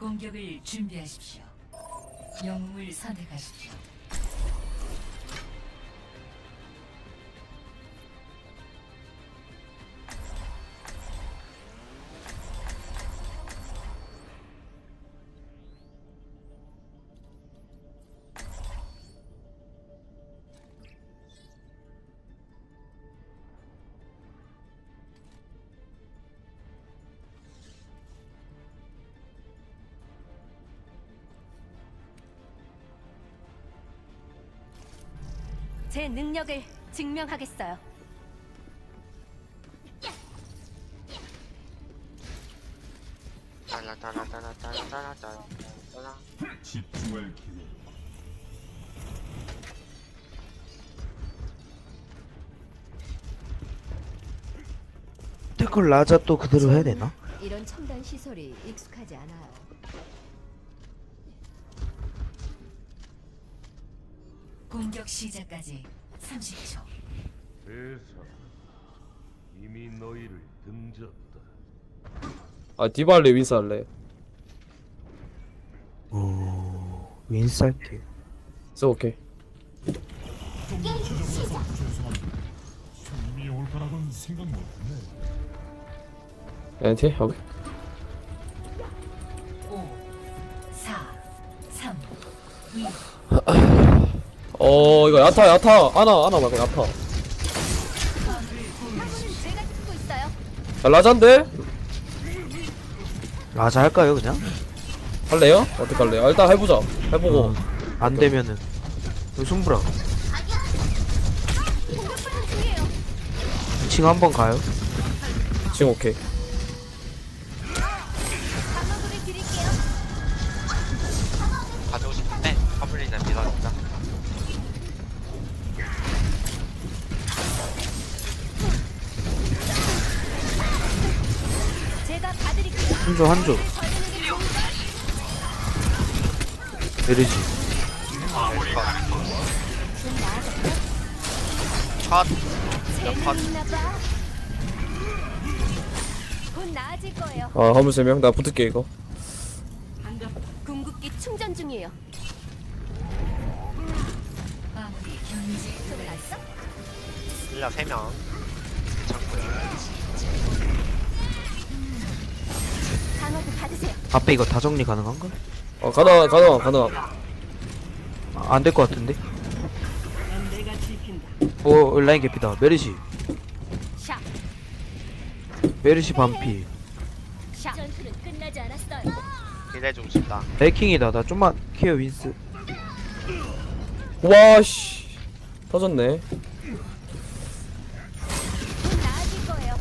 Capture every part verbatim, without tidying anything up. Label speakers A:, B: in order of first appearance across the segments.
A: 공격을 준비하십시오. 영웅을 선택하십시오.
B: 제 능력을 증명하겠어요.
C: 따라따라따라따라따라따라.
D: 집중할 기회.
E: 태클 라자 또 그대로 해야 되나?
B: 이런 첨단 시설이 익숙하지 않아요.
A: 공격 시작까지 삼십 초.
D: 세상 이미 너희를 등졌다.
F: 아 디발레 윈스 할래.
E: 오 윈스 할게.
F: 써 오케이.
D: 이미 올 거라고는 생각 못했네.
F: 엔티 오케이.
A: 오, 사, 삼, 이.
F: 어 이거 야타 야타 아나 아나 말고 야타.
B: 화물은 제가 듣고 있어요.
F: 야, 라잔데
E: 라자 할까요 그냥?
F: 할래요? 어떻게 할래요? 아, 일단 해보자. 해보고.
E: 어, 안 되면은 이거 손브라
B: 공격받는 중이에요.
E: 이 층 한번 가요?
F: 지금 오케이.
B: 방어구를 드릴게요.
C: 가지고 싶은데 화물이나 밀어준다.
B: 제가 봐드릴게요.
E: 한조 한조
B: 걸리는 게 좋을까?
E: 내리지.
B: 좀 나아졌죠?
C: 첫
B: 재능 있나 봐. 곧 나아질 거예요.
F: 아 화물 세 명. 나 붙을게 이거.
B: 궁극기 충전 중이에요.
A: 마무리 경제.
B: 끝났어?
C: 일라 세 명. 창고에.
B: 방어구 받으세요.
E: 앞에 이거 다 정리 가능한가?
F: 어 가다 가다 가다.
E: 아, 안 될 것 같은데? 오 라인 개피다. 메르시
B: 샷.
E: 메르시 반피.
B: 샷. 전투는 끝나지 않았어요.
C: 기대해주고 싶다.
E: 레이킹이다. 나 좀만 케어 윈스.
F: 와씨 터졌네.
B: 곧 나아질 거예요.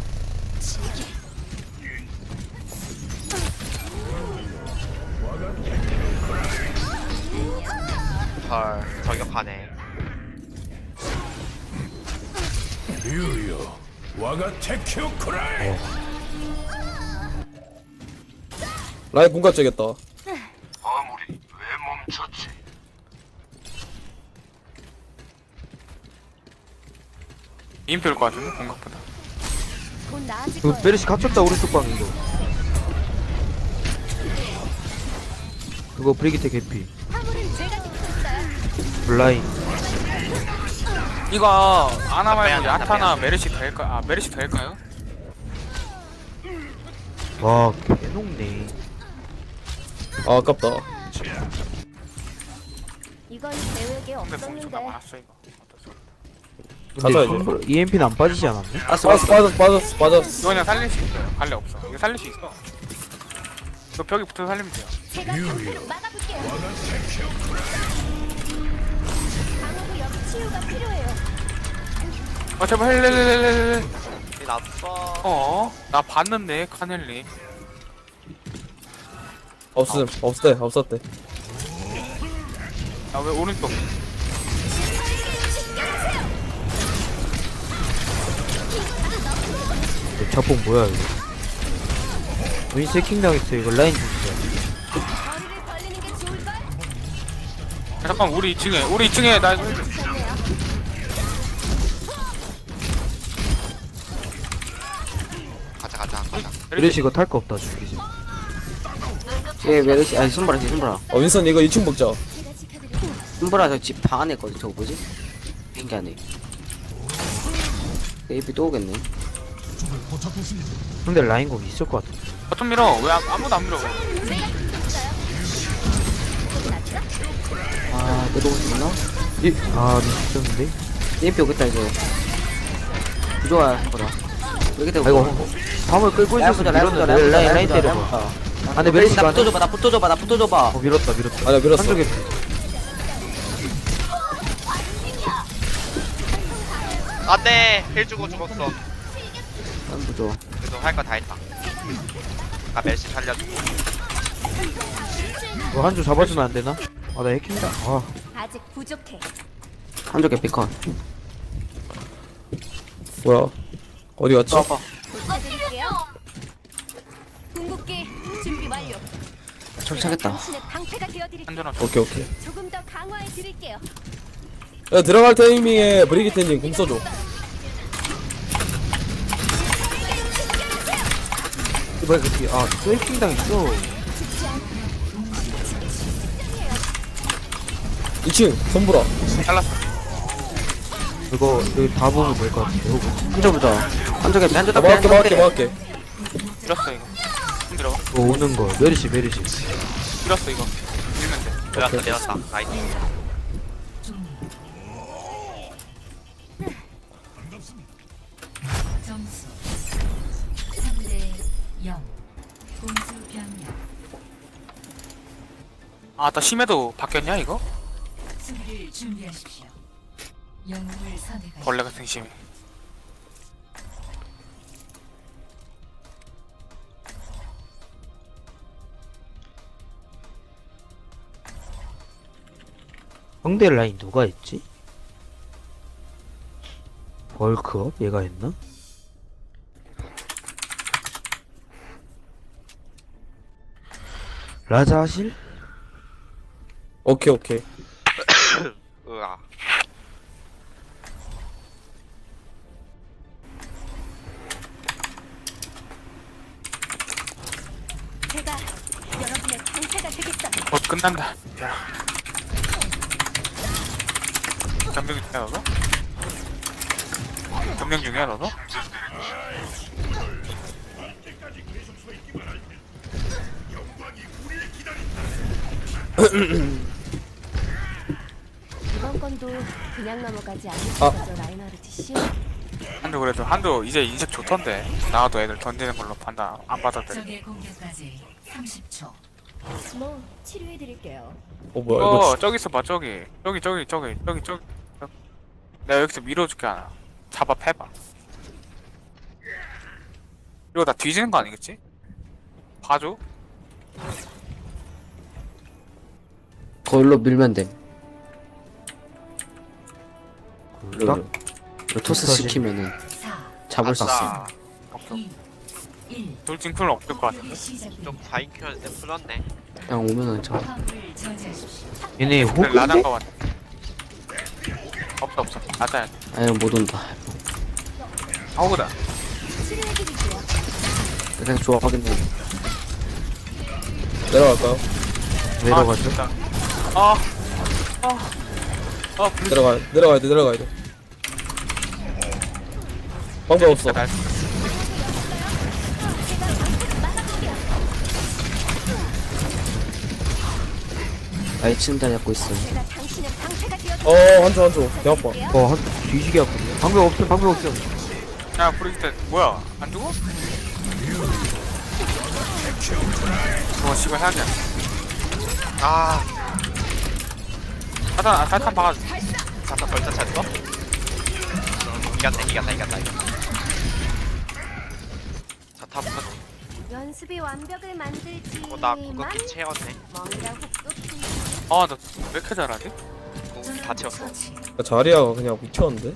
C: 헐 저격하네.
D: 유요 와가 테큐 쿠라이.
F: 라인 군가 째겠다.
D: 아무리 왜 멈췄지?
G: 인필 것 같은데 공각보다.
B: 곧 나아질
E: 이거
B: 거예요.
E: 메르시 갇혔다. 오른쪽 방 이거. 그거 브리기테 개피.
B: 화물은 제가 듣고 있어요.
E: 블라인.
G: 이거 아나 말고
C: 빼야 돼,
G: 야타나
C: 빼야 돼.
G: 메르시 될까? 아 메르시 될까요?
E: 와 개녹네.
F: 아 아깝다.
B: 이건 계획에
G: 근데 공 존나
B: 없었는데.
G: 많았어 이거. 어쩔 수 없다.
E: 근데
F: 가져야지.
E: 손브라 이엠피는 안 빠지지 않았네?
F: 빠졌어 빠졌어 빠졌어 빠졌어.
G: 이거 그냥 살릴 수 있어요. 갈래 없어. 이거 살릴 수 있어. 이거 벽에 붙어 살리면 돼요.
B: 제가 전투를 막아볼게요. 방어구 여기 치유가 필요해요.
G: 아 제발 헬렐렐렐렐.
C: 이 났어.
G: 어? 나 봤는데 카넬리.
F: 없음 없었대 없었대.
G: 아 왜 오른쪽?
E: 이 자폭 뭐야 이거? 윈스 해킹 당했어. 이거 라인 주시자.
B: 거리를 벌리는 게 좋을걸?
G: 야, 잠깐 우리 이 층에 우리 이 층에 나 이거 해줘.
B: 좋네요.
C: 가자 가자 가자.
E: 메르시 이거 탈 거 없다 죽이지.
H: 얘 메르시 아니 손보라 쟤 손보라
F: 어 윈선 이거 이 층 먹자.
B: 제가 지켜드릴게요.
H: 손보라 저 집 방 안에 있거든. 저거 뭐지? 비행기 안에. 에이피 또 오겠네.
E: 근데 라인 공 있을 것 같아.
G: 바텀 밀어. 왜 아- 아무도 안 밀어?
B: 내가 지켜줬어요. 조금 낫죠?
H: 아 내가 오고 있나?
E: 이, 아 미쳤는데?
H: 에이피 오겠다 이제. 부조화 손보라. 여기 되고.
E: 아이고 밤을 끌고
H: 라인
E: 있었으면
H: 보자 라인 보자
E: 밀었는데
H: 라인
E: 라인
H: 보자
E: 라인
H: 라인
E: 때려봐.
H: 보자.
E: 아 근데 메리시가
H: 나
E: 안
H: 붙어줘봐 나 붙어줘봐 나 붙어줘봐.
E: 어 밀었다 밀었다.
F: 아니야 밀었어.
E: 한쪽에 피.
C: 안돼 힐 주고 죽었어.
H: 라인 부조.
C: 그래도 할 거 다 했다. 아 멜시 살려주고.
E: 이거 한 줄 잡아주면 안 되나? 아나 해킹다. 아
B: 아직 부족해.
H: 한쪽 에피컨.
F: 뭐야? 어디 갔지?
B: 부탁드릴게요. 궁극기 준비 완료.
H: 철차겠다.
B: 당신의 방패가 되어드릴게요.
G: 한전아.
F: 오케이 오케이.
B: 조금 더 강화해 드릴게요.
F: 야 들어갈 타이밍에 브리기테님 공 써줘.
E: 이거 그 아또 해킹 당했어.
F: 이 층 손보라.
G: 잘랐어.
E: 이거 여기 다 보면 될 것 같아. 이거
H: 한쪽 부조. 한쪽 에피 한쪽
F: 나
H: 에피
F: 막을게
H: 한쪽
F: 막을게
H: 에피.
F: 막을게.
G: 밀었어 이거. 힘들어.
E: 이거 오는 거 메리시 메리시.
G: 밀었어 이거. 밀면 돼.
C: 내렸다 내렸다. 나이스.
A: 점수 삼 대 영. 공수 변경.
G: 아, 나 심해도 바뀌었냐 이거?
A: 수비를 준비하십시오. 영웅을 선택하십시오.
G: 벌레 같은 심해.
E: 상대 라인 누가 했지? 벌크업 얘가 했나? 라자실?
F: 오케이 오케이.
C: 으아.
B: 제가 여러분의 방패가 되겠어.
G: 곧 끝난다. 야. 점령 중이야 너도? 점령 중이야 너도?
B: 이번 건도 그냥 넘어가지 않을
F: 아.
B: 거죠, 라인하르트 씨.
G: 한도 그래도 한도 이제 인식 좋던데. 나와도 애들 던지는 걸로 판단 안 받아들여.
A: 적의 공격까지 삼십 초.
B: 뭐 치료해 드릴게요.
F: 어 뭐야 이거.
G: 어 저기 있어 봐 저기 저기 저기 저기 저기 저기 내가 여기서 밀어줄게 하나 잡아 패봐. 이거 나 뒤지는 거 아니겠지? 봐줘.
H: 거울로 밀면 돼.
E: 나?
H: 로 토스 시키면은
A: 사,
H: 잡을 수 있어.
C: 아싸.
G: 오케이.
A: 이, 일.
G: 돌진풀은 없을 것 같은데.
A: 시작됩니다.
C: 좀 사 인 큐였는데 풀렸네.
H: 그냥 오면은 저.
A: 화물을 저지하십시오.
E: 얘네
G: 근데
E: 호그인데?
G: 라장 거 같아. 없어 없어. 맞아야 돼.
H: 아니 못 온다.
G: 아우다.
B: 치료해 드릴게요.
H: 그냥 좋아 확인해.
F: 내려갈까요?
E: 내려가죠.
G: 아. 아. 아, 블루
F: 내려가 내려가야 돼 내려가야 돼. 방법 없어.
G: 날
H: 나이 친다 잡고 있어.
B: 제가 당신의 방패가 되어
F: 어 한조 한조 개 아파.
E: 어, 한 뒤지게 아프네. 방금 없어, 방금 없어.
G: 야, 브리기테 뭐야? 안 죽어? 어, 씨발 해야 돼.
C: 아.
G: 사탄, 아, 사탄 박아줘.
C: 자타 벌써 찼어? 이겼다 이겼다 이겼다 이겼다. 자타 붙었.
B: 연습이 완벽을 만들지.
C: 어, 나 궁극기 채웠네.
B: 뭔가 혹독히.
G: 아, 나 왜 이렇게 잘하지?
C: 궁극기 다 채웠어.
A: 처치.
F: 야, 자리아가 그냥 미쳤는데.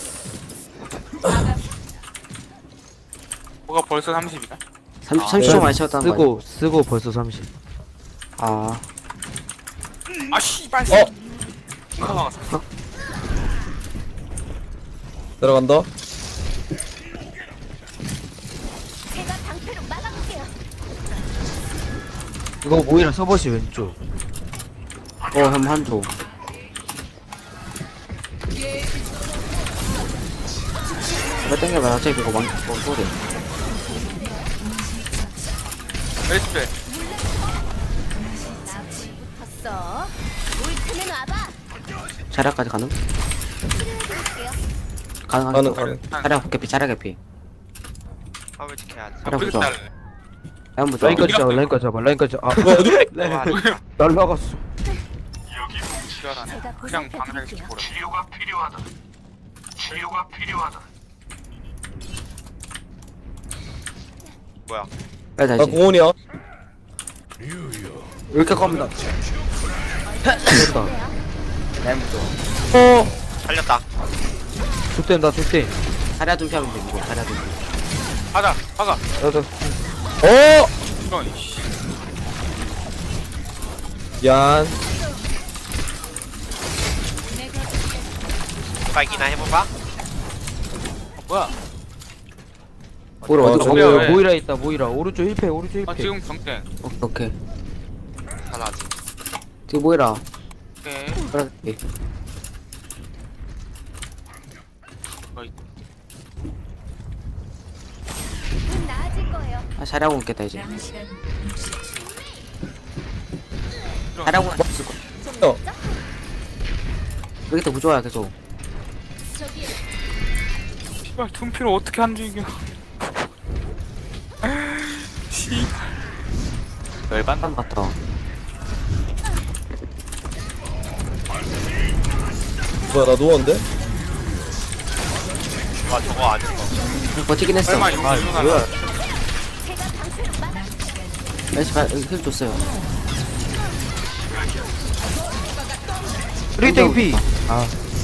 G: 뭐가 벌써 삼십이야?
H: 삼십
G: 아,
H: 삼십 초
F: 네.
H: 많이 채웠다는 거 아니야?
E: 쓰고, 쓰고 벌써 삼십.
H: 아
G: 아, 씨발.
F: 어
G: 이거 나갔어.
F: 내려간다.
B: 제가 방패로 막아볼게요.
E: 이거 모이라 서버시 왼쪽.
H: 어, 형 한조. 왜 땡겨봐, 어차피 그거 망, 뭐, 소리.
G: 레이스페.
B: 컸어. 올 테면 와봐.
H: 자리까지 가능?
B: 치료해드릴게요.
H: 가능,
F: 가능
H: 가능.
F: 가능.
H: 자리 개피, 자리 개피.
C: 화물 지켜야지.
H: 자리
G: 브리스
H: 보자.
G: 달래.
H: 한번 보자.
E: 라인까지 잡아 라인까지 잡아 라인까지 잡아. 아
F: 뭐야 어디?
C: 와,
E: 날라갔어.
G: 지랄하네.
B: 제가
G: 그냥
B: 보살펴드릴게요.
G: 방향식 보래.
D: 치료가 필요하다. 치료가 필요하다.
C: 뭐야?
H: 빨리
F: 나
H: 다시.
F: 공원이야.
H: 왜 이렇게 겁니다.
E: 됐다.
H: 라인 보자.
F: 어.
C: 살렸다.
E: 족된다 족대.
H: 자리야 좀 피하면 돼, 이거. 자리야 좀.
G: 가자, 가자.
E: 나도
F: 어.
G: 이런, 이씨.
F: 얀.
C: 빨기나 해볼까?
G: 어, 뭐야?
H: 보러
F: 어,
H: 어디
F: 저기-
H: 가?
F: 왜?
E: 모이라 있다 모이라 오른쪽 힐패 오른쪽
G: 아,
E: 힐패.
G: 지금 경땡.
H: 오케이, 오케이.
C: 하나지.
H: 지금 뭐해라.
G: 오케이.
H: 그래.
G: 어이.
B: 곧 나아질 거예요.
H: 아, 자리하고 있겠다, 이제.
A: 남은 시간 육십 초.
H: 자리하고 있을 거.
F: 어.
H: 여기 또 무좋아야 계속.
B: 저기
G: 씨발, 둠피를 어떻게 안 죽여. 씨. 열받나?
H: 한 같아.
F: 뭐야 나 누웠는데?
C: 와, 저거 안 죽어.
H: 버티긴 했어.
G: 설마 이거
E: 아
G: 일어나나?
E: 뭐야?
B: 제가 방패를 막아.
H: 날씨 가, 힐 줬어요.
E: 프리팅 피. 아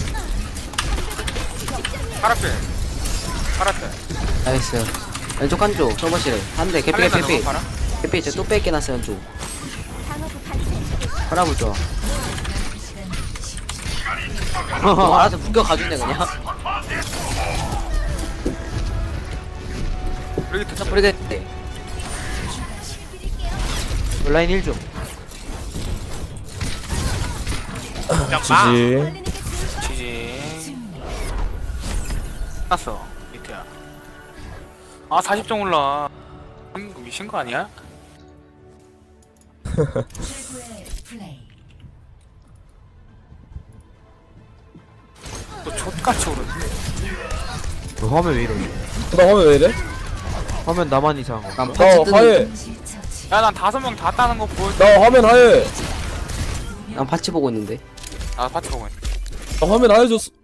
G: 파라페. 파라페.
H: 나이스. 왼쪽 한쪽, 서버실에. 한 대, 개피,
G: 할래나,
H: 개피, 개피.
G: 너가 봐라.
H: 개피, 이제 또 뺏게 놨어, 왼쪽.
B: 방어구 반칙.
H: 팔아보죠. 어, 알아서 묶여 가주네, 그냥.
G: 여기 됐다.
H: 모르겠대.
E: 라인 일 좀.
C: 그냥 마.
F: 지지.
B: 걸리는 게 좋을
G: 지지. 끝났어. 밑에야. 아, 사십 점 올라. 음, 미친 거 아니야?
A: 최고의 플레이.
G: 또 족같이 오르네.
E: 너 화면 왜 이러지?
F: 나 화면 왜 이래?
E: 화면 나만 이상한 거.
H: 난
F: 나
H: 파츠 뜨는,
F: 하얘.
A: 동시 처치.
G: 야, 난 다섯 명 다 따는 거 보여줘.
F: 나 화면 하얘.
H: 난 파츠 보고 있는데.
G: 나 파티 보고 있네.
F: 나 화면 하얘졌어.